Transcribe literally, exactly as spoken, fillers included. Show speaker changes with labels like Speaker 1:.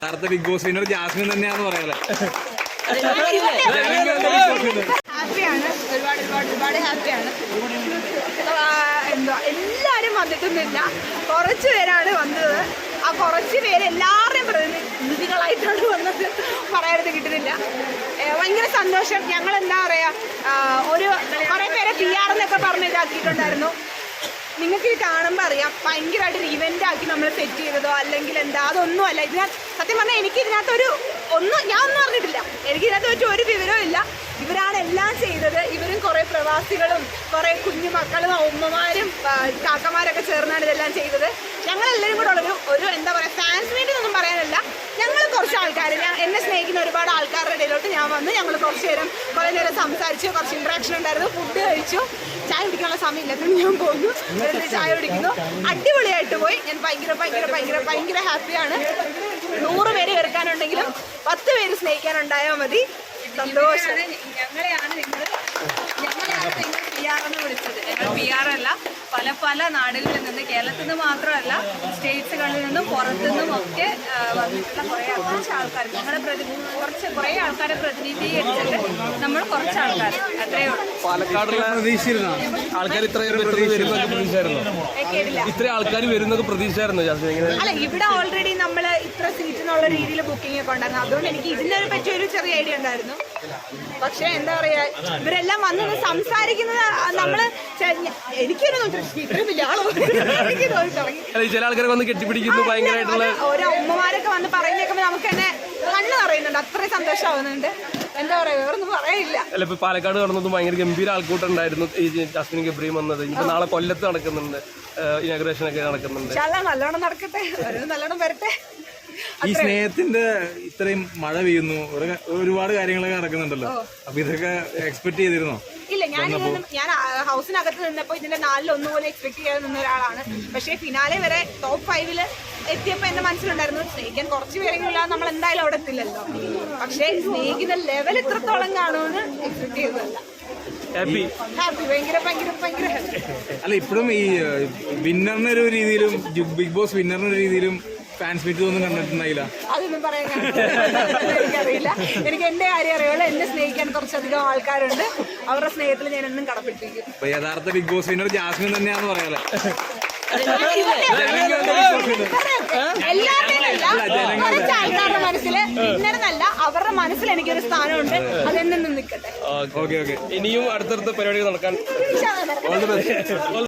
Speaker 1: യഥാർത്ഥ big boss winner Jasmine തന്നെയാന്ന് പറയാല്ലേ.
Speaker 2: ഹാപ്പിയാണ്, ഒരുപാട് ഒരുപാട് ഒരുപാട് ഹാപ്പിയാണ്. എന്താ എല്ലാവരും വന്നിട്ടൊന്നുമില്ല, കുറച്ച് പേരാണ് വന്നത്. ആ കുറച്ച് പേര് എല്ലാവരുടെയും പ്രതിനിധികളായിട്ടാണ് വന്നത്, പറയാനത് കിട്ടുന്നില്ല. ഭയങ്കര സന്തോഷം. ഞങ്ങൾ എന്താ പറയാ, ഒരു കുറേ പേരെ പി ആർ എന്നൊക്കെ പറഞ്ഞ് ഇതാക്കിയിട്ടുണ്ടായിരുന്നു. നിങ്ങൾക്ക് ഇത് കാണുമ്പോൾ അറിയാം, ഭയങ്കരമായിട്ട് ഒരു ഇവൻ്റ് ആക്കി നമ്മൾ സെറ്റ് ചെയ്തതോ അല്ലെങ്കിൽ എന്താ അതൊന്നും അല്ല. ഇതിനകത്ത് സത്യം പറഞ്ഞാൽ എനിക്ക് ഇതിനകത്തൊരു ഒന്നും ഞാൻ ഒന്നും അറിഞ്ഞിട്ടില്ല. എനിക്ക് ഇതിനകത്ത് വെച്ച് ഒരു വിവരവും ഇല്ല. ഇവരാണ് എല്ലാം ചെയ്തത്. ഇവരും കുറേ പ്രവാസികളും കുറേ കുഞ്ഞു മക്കളും ഉമ്മമാരും കാക്കമാരൊക്കെ ചേർന്നാണ് ഇതെല്ലാം ചെയ്തത്. ഞങ്ങളെല്ലാവരും കൂടെ ഉള്ളൊരു ഒരു എന്താ പറയുക, ഫാൻസ് മീറ്റിംഗ് ഒന്നും പറയാനല്ല, ഞങ്ങൾ കുറച്ച് ആൾക്കാർ, ഞാൻ എന്നെ സ്നേഹിക്കുന്ന ഒരുപാട് ആൾക്കാരുടെ ഇടയിലോട്ട് ഞാൻ വന്നു. ഞങ്ങൾ കുറച്ച് നേരം കുറേ നേരം സംസാരിച്ചു, കുറച്ച് ഇൻട്രാക്ഷൻ ഉണ്ടായിരുന്നു, ഫുഡ് കഴിച്ചു. ചായ കുടിക്കാനുള്ള സമയമില്ലാത്തതുകൊണ്ട് ഞാൻ പോകുന്നു, വെറുതെ ചായ കുടിക്കുന്നു. അടിപൊളിയായിട്ട് പോയി. ഞാൻ ഭയങ്കര ഭയങ്കര ഭയങ്കര ഭയങ്കര ഹാപ്പിയാണ്. നൂറ് പേര് കേൾക്കാനുണ്ടെങ്കിലും പത്ത് പേര് സ്നേഹിക്കാനുണ്ടായാൽ മതി. സന്തോഷം.
Speaker 3: ഞങ്ങളെയാണ് നിങ്ങൾ ഞങ്ങളെയാണ് നിങ്ങൾ പി ആർ എന്ന് വിളിച്ചത്. ഞങ്ങൾ പി ആർ അല്ല, പല പല നാടുകളിൽ നിന്ന്, കേരളത്തിൽ നിന്ന് മാത്രമല്ല സ്റ്റേറ്റ്സുകളിൽ നിന്നും പുറത്തുനിന്നും ഒക്കെ വന്നിട്ടുള്ള കുറേ കുറച്ച് ആൾക്കാർ, ഞങ്ങളെ പ്രതി കുറച്ച് കുറേ ആൾക്കാരെ പ്രതിനിധീകരിച്ചിട്ട് നമ്മൾ കുറച്ച് ആൾക്കാർ, അത്രയേ ഉള്ളൂ.
Speaker 4: പാലക്കാടുള്ള പ്രതീക്ഷയായിരുന്നു ആൾക്കാർ ഇത്രയും വരുന്നൊക്കെ പ്രതീക്ഷയായിരുന്നു. ഇത്ര ആൾക്കാർ വരുന്നൊക്കെ പ്രതീക്ഷയായിരുന്നു ജാസ്മിൻ?
Speaker 2: അല്ല, ഇവിടെ ഓൾറെഡി നമ്മൾ ഇത്ര സീറ്റ് എന്നുള്ള രീതിയിൽ ബുക്കിംഗ് ഒക്കെ ഉണ്ടായിരുന്നു. അതുകൊണ്ട് എനിക്ക് ഇതിനെ പറ്റി ഒരു ചെറിയ ഐഡിയ ഉണ്ടായിരുന്നു. പക്ഷെ എന്താ പറയാ, ഇവരെല്ലാം വന്ന് സംസാരിക്കുന്നത് നമ്മള് എനിക്കൊരു
Speaker 4: ചില ആൾക്കാരെ വന്ന് കെട്ടിപ്പിടിക്കുന്നു, ഭയങ്കരമായിട്ടുള്ള
Speaker 2: ഓരോ ഉമ്മമാരൊക്കെ വന്ന് പറയുന്നേക്കുമ്പോ നമുക്ക് തന്നെ കണ്ണ് പറയുന്നുണ്ട്, അത്രയും സന്തോഷമാവുന്നുണ്ട്. എന്താ പറയാ, വേറൊന്നും പറയില്ല.
Speaker 4: അല്ല, ഇപ്പൊ പാലക്കാട് നടന്നതും ഭയങ്കര ഗംഭീര ആൾക്കൂട്ടുണ്ടായിരുന്നു. ഈ ജാസ്മിൻ ഗബ്രിയും വന്നത് ഇപ്പൊ നാളെ കൊല്ലത്ത് നടക്കുന്നുണ്ട്, ഇനാഗുറേഷൻ ഒക്കെ നടക്കുന്നുണ്ട്.
Speaker 2: നല്ലോണം നടക്കട്ടെ, നല്ലോണം വരട്ടെ.
Speaker 1: ഈ സ്നേഹത്തിന്റെ ഇത്രയും മഴ പെയ്യുന്നു, ഒരുപാട് കാര്യങ്ങളൊക്കെ നടക്കുന്നുണ്ടല്ലോ, അപ്പൊ ഇതൊക്കെ എക്സ്പെക്ട് ചെയ്തിരുന്നോ?
Speaker 2: ഇല്ല, ഞാൻ ഞാൻ ഹൗസിനകത്ത് നിന്നപ്പോ ഇതിന്റെ നാലിലൊന്നുപോലെ എക്സ്പെക്ട് ചെയ്യാതെ നിന്ന ഒരാളാണ്. പക്ഷേ ഫിനാലെ വരെ ടോപ്പ് ഫൈവില് എത്തിയപ്പോ എന്റെ മനസ്സിലുണ്ടായിരുന്നു സ്നേഹിക്കാൻ കുറച്ച് പേരെങ്കിലും നമ്മൾ എന്തായാലും അവിടെ എത്തില്ലല്ലോ. പക്ഷേ സ്നേഹിക്കുന്ന ലെവൽ ഇത്രത്തോളം കാണുമെന്ന് എക്സ്പെക്ട് ചെയ്തതല്ല.
Speaker 4: ഹാപ്പി
Speaker 2: ഹാപ്പി ഭയങ്കര ഭയങ്കര ഭയങ്കര ഹാപ്പി.
Speaker 1: അല്ല, ഇപ്പോഴും ഈ വിന്നറിനൊരു രീതിയിലും ബിഗ് ബോസ് വിന്നറിനൊരു രീതിയിലും ഫാൻസ് മീറ്റ് ഒന്നും കണ്ടിട്ടുണ്ടായില്ല.
Speaker 2: അതൊന്നും പറയാൻ എനിക്കറിയില്ല. എനിക്ക് എന്റെ കാര്യം അറിയുള്ളൂ. എന്നെ സ്നേഹിക്കാൻ കുറച്ചധികം ആൾക്കാരുണ്ട്. അവരുടെ സ്നേഹത്തിൽ ഞാൻ എന്നും കടപ്പെട്ടിരിക്കും.
Speaker 1: അപ്പൊ യഥാർത്ഥ ബിഗ് ബോസ് വിന്നർ ജാസ്മിൻ തന്നെയാന്ന് പറയാല്ലേ.
Speaker 2: എല്ലാവരുടെയും കുറച്ച് ആൾക്കാരുടെ മനസ്സില് വിന്നറെന്നല്ല, അവരുടെ മനസ്സിൽ എനിക്കൊരു സ്ഥാനമുണ്ട്. അതെന്നും നിൽക്കട്ടെ.
Speaker 4: ഇനിയും അടുത്തടുത്ത പരിപാടികൾ നടക്കാൻ